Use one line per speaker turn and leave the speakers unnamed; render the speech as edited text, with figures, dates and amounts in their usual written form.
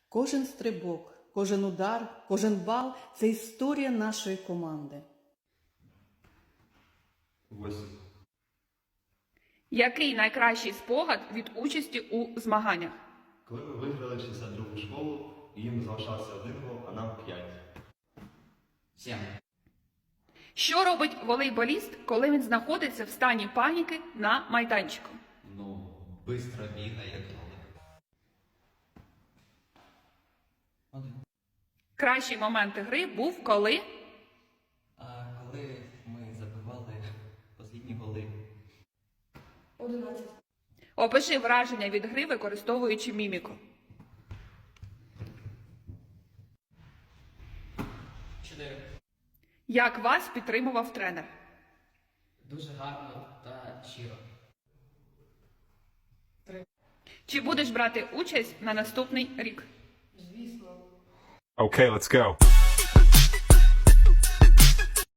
Кожен стрибок, кожен удар, кожен бал – це історія нашої команди.
8.
Який найкращий спогад від участі у змаганнях?
Коли ми виграли 62-гу школу, і їм залишався 1 гол, а нам 5.
7.
Що робить волейболіст, коли він знаходиться в стані паніки на майданчику?
Ну, бистро бігає, як кролик. 1.
Кращий момент гри був коли?
Коли ми забивали останні голи.
11.
Опиши враження від гри, використовуючи міміку.
4.
Як вас підтримував тренер?
Дуже гарно та щиро.
Чи будеш брати участь на наступний рік?
Звісно.
Okay, let's go.